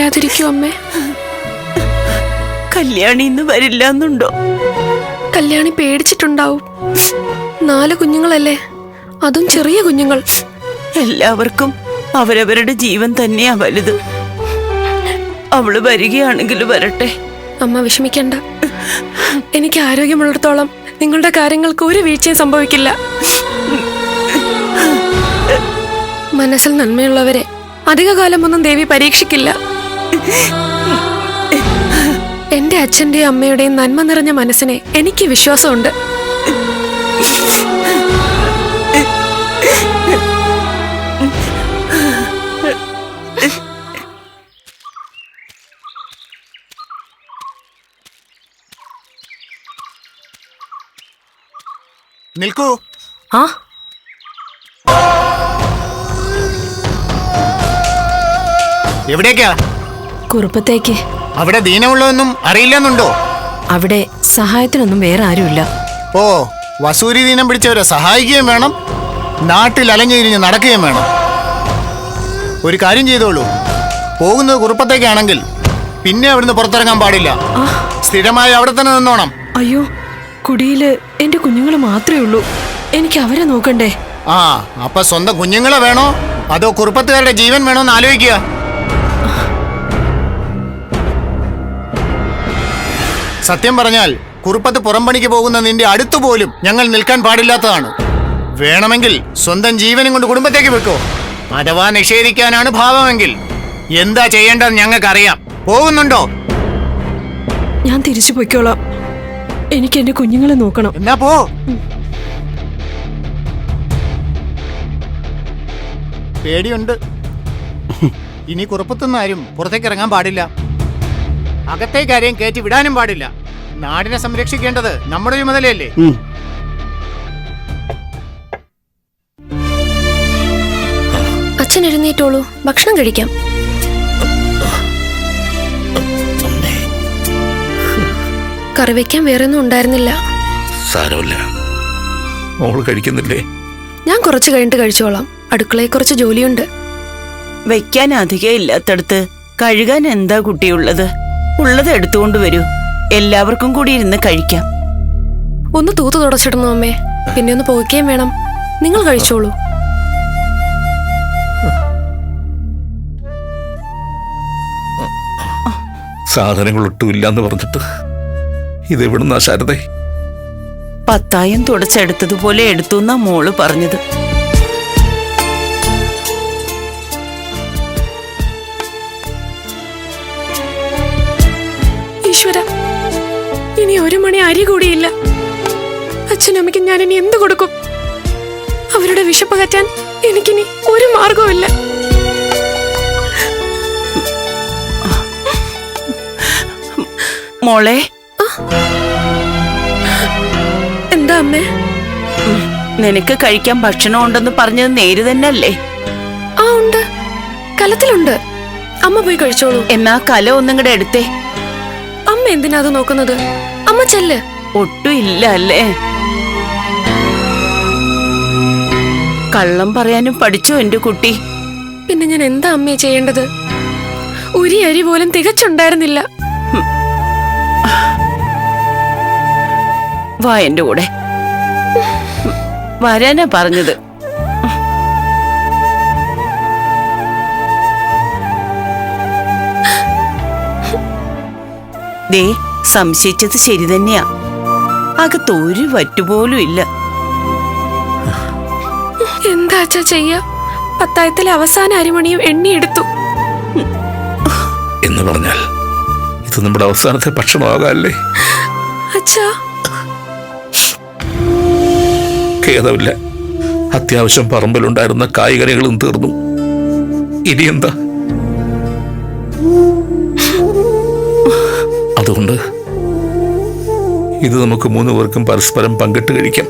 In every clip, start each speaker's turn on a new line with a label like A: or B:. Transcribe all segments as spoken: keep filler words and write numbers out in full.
A: കരയാതിരിക്കൂ അമ്മേ.
B: കല്യാണി ഇന്ന് വരില്ല എന്നുണ്ടോ?
A: കല്യാണി പേടിച്ചിട്ടുണ്ടാവും. നാല് കുഞ്ഞുങ്ങളല്ലേ, അതും ചെറിയ കുഞ്ഞുങ്ങൾ.
B: എല്ലാവർക്കും അവരവരുടെ ജീവൻ തന്നെയാ വലുത്. അവള് വരികയാണെങ്കിൽ വരട്ടെ.
A: അമ്മ വിഷമിക്കണ്ട. എനിക്ക് ആരോഗ്യമുള്ളിടത്തോളം നിങ്ങളുടെ കാര്യങ്ങൾക്ക് ഒരു വീഴ്ചയും സംഭവിക്കില്ല. മനസ്സിൽ നന്മയുള്ളവരെ അധികകാലമൊന്നും ദേവി പരീക്ഷിക്കില്ല. എന്റെ അച്ഛന്റെയും അമ്മയുടെയും നന്മ നിറഞ്ഞ മനസ്സിനെ എനിക്ക് വിശ്വാസമുണ്ട്.
C: നിൽക്കൂ.
A: ആ
C: എവിടേക്കാ?
D: കുറുപ്പത്തേക്ക്.
C: അവിടെ ദീനമുള്ളതൊന്നും അറിയില്ലെന്നുണ്ടോ?
D: അവിടെ സഹായത്തിനൊന്നും വേറെ ആരുമില്ല.
C: ഓ, വസൂരി ദീനം പിടിച്ചവരെ സഹായിക്കുകയും വേണം, നാട്ടിൽ അലഞ്ഞിരിഞ്ഞ് നടക്കുകയും വേണം. ഒരു കാര്യം ചെയ്തോളൂ, പോകുന്നത് കുറുപ്പത്തേക്കാണെങ്കിൽ പിന്നെ അവിടുന്ന് പുറത്തിറങ്ങാൻ പാടില്ല. സ്ഥിരമായി അവിടെ തന്നെ നിന്നോണം.
D: അയ്യോ, കുടിയില് എന്റെ കുഞ്ഞുങ്ങൾ മാത്രമേ ഉള്ളൂ. എനിക്ക് അവരെ നോക്കണ്ടേ?
C: ആ, അപ്പൊ സ്വന്തം കുഞ്ഞുങ്ങളെ വേണോ അതോ കുറുപ്പത്തുകാരുടെ ജീവൻ വേണോന്ന് ആലോചിക്കുക. സത്യം പറഞ്ഞാൽ കുറുപ്പത്ത് പുറംപണിക്ക് പോകുന്ന നിന്റെ അടുത്തു പോലും ഞങ്ങൾ നിൽക്കാൻ പാടില്ലാത്തതാണ്. വേണമെങ്കിൽ സ്വന്തം ജീവനും കൊണ്ട് കുടുംബത്തേക്ക് വെക്കോ. അഥവാ നിഷേധിക്കാനാണ് ഭാവമെങ്കിൽ എന്താ ചെയ്യേണ്ടത് ഞങ്ങൾക്കറിയാം. പോകുന്നുണ്ടോ?
D: ഞാൻ തിരിച്ചു പൊയ്ക്കോളാം. എനിക്ക് എന്റെ കുഞ്ഞുങ്ങളെ നോക്കണം.
C: എന്നാ പോ. പേടിയുണ്ട്. ഇനി കുറുപ്പത്തുനിന്ന് ആരും പുറത്തേക്ക് ഇറങ്ങാൻ പാടില്ല. അകത്തേക്ക് ആരെയും കയറ്റി വിടാനും പാടില്ല. നാടിനെ സംരക്ഷിക്കേണ്ടത് നമ്മുടെ ചുമതലയല്ലേ?
A: അച്ഛൻ എഴുന്നേറ്റോളൂ, ഭക്ഷണം കഴിക്കാം. കറി വെക്കാൻ വേറെ ഒന്നും ഉണ്ടായിരുന്നില്ല.
E: സാരമില്ല, മോള് കഴിക്കുന്നില്ലേ?
A: ഞാൻ കുറച്ച് കഴിഞ്ഞിട്ട് കഴിച്ചോളാം. അടുക്കളയിൽ കുറച്ച് ജോലിയുണ്ട്.
B: വെക്കാൻ അധികം ഇല്ലാത്തടത്ത് കഴുകാൻ എന്താ കുട്ടിയുള്ളത്? ഉള്ളത് എടുത്തുകൊണ്ട് വരൂ, എല്ലാവർക്കും കൂടി ഇരുന്ന് കഴിക്കാം.
A: ഒന്ന് തൂത്ത് തുടച്ചിടണോ അമ്മേ? പിന്നെ ഒന്ന് പോവുകയും വേണം. നിങ്ങൾ കഴിച്ചോളൂ.
E: സാധനങ്ങൾ ഒട്ടുമില്ലാന്ന് പറഞ്ഞിട്ട് ഇതെവിടുന്നാ ശാരദേ?
B: പത്തായം തുടച്ചെടുത്തതുപോലെ എടുത്തു എന്നാ മോള് പറഞ്ഞത്.
A: ഈശ്വര, ഇനി ഒരു മണി അരി കൂടിയില്ല. അച്ഛനമ്മയ്ക്ക് ഞാൻ ഇനി എന്ത് കൊടുക്കും? അവരുടെ വിശപ്പ് കറ്റാൻ എനിക്കിനി ഒരു മാർഗവുമില്ല.
B: മോളെ,
A: എന്താ അമ്മേ?
B: നിനക്ക് കഴിക്കാൻ ഭക്ഷണം ഉണ്ടെന്ന് പറഞ്ഞത് നേര് തന്നെ അല്ലേ?
A: ആ ഉണ്ട്, കലത്തിലുണ്ട്. അമ്മ പോയി കഴിച്ചോളൂ.
B: എന്നാ കല ഒന്നും കൂടെ എടുത്തേ.
A: അമ്മ എന്തിനാ അത് നോക്കുന്നത്? അമ്മ ചെല്ല്.
B: ഒട്ടും ഇല്ല അല്ലേ? കള്ളം പറയാനും പഠിച്ചോ എന്റെ കുട്ടി?
A: പിന്നെ ഞാൻ എന്താ അമ്മയെ ചെയ്യേണ്ടത്? ഒരു അരി പോലും തികച്ചുണ്ടായിരുന്നില്ല.
B: വാ എന്റെ കൂടെ. വരാനാ പറഞ്ഞത്. ദേ, സംശയിച്ചത് ശരി തന്നെയാ. അകത്ത് ഒരു വറ്റുപോലും ഇല്ല.
A: എന്താ അച്ഛാ ചെയ്യാ? പത്തായത്തിലെ അവസാന അരിമണിയും എണ്ണിയെടുത്തു
E: എന്ന് പറഞ്ഞാൽ ഇത് നമ്മുടെ അവസാനത്തെ ഭക്ഷണമാകാല്ലേ?
A: അച്ഛാ,
E: ഖേദമില്ല. അത്യാവശ്യം പറമ്പിലുണ്ടായിരുന്ന കായ്കനികളും തീർന്നു. ഇനി എന്താ? അതുകൊണ്ട് ഇത് നമുക്ക് മൂന്ന് പേർക്കും പരസ്പരം പങ്കിട്ട് കഴിക്കാം.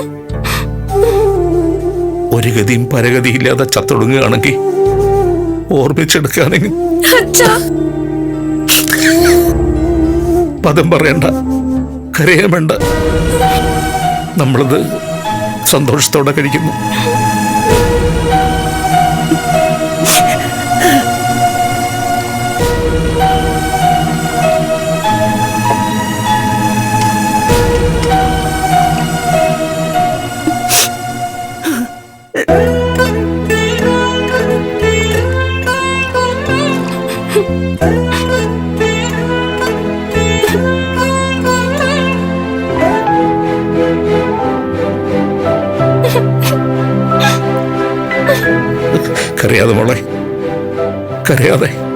E: ഒരു ഗതിയും പരഗതിയില്ലാതെ ചത്തൊടുങ്ങുകയാണെങ്കിൽ ഓർമ്മിച്ചെടുക്കുകയാണെങ്കിൽ പദം പറയണ്ട, കരയാൻ വേണ്ട. നമ്മളത് സന്തോഷത്തോടെ കഴിക്കുന്നു. കരയാതെ മോളെ, കരയാതെ.